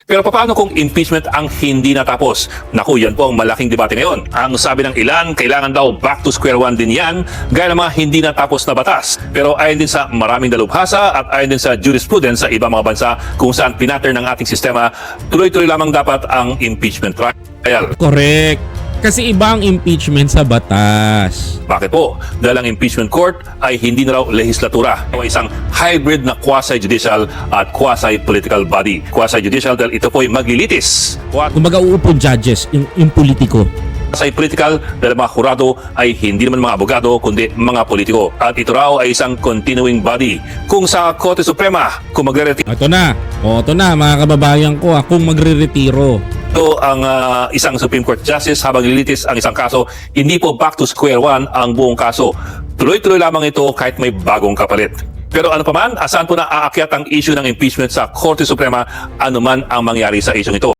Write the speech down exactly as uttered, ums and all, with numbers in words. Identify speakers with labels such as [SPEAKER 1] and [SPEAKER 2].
[SPEAKER 1] Pero paano kung impeachment ang hindi natapos? Naku, yan po ang malaking debate ngayon. Ang sabi ng ilan, kailangan daw back to square one din yan, gaya ng mga hindi natapos na batas. Pero ayon din sa maraming dalubhasa at ayon din sa jurisprudence sa ibang mga bansa kung saan pinatter ng ating sistema, tuloy-tuloy lamang dapat ang impeachment trial.
[SPEAKER 2] Correct. Kasi iba ang impeachment sa batas.
[SPEAKER 1] Bakit po? Dahil ang impeachment court ay hindi na raw lehislatura o isang hybrid na quasi-judicial at quasi-political body. Quasi-judicial dahil ito po ay maglilitis.
[SPEAKER 2] Kumbaga uupo judges, yung, yung politiko.
[SPEAKER 1] Quasi-political dahil mga kurado ay hindi naman mga abogado kundi mga politiko. At ito raw ay isang continuing body. Kung sa Korte Suprema, kung magre-retiro
[SPEAKER 2] Ito na. O, ito na mga kababayan ko, ah, kung magre-retiro.
[SPEAKER 1] ang uh, isang Supreme Court Justice habang lilitis ang isang kaso, hindi po back to square one ang buong kaso. Tuloy-tuloy lamang ito kahit may bagong kapalit. Pero ano pa man, asan po na aakyat ang issue ng impeachment sa Korte Suprema, anuman ang mangyari sa issue ito.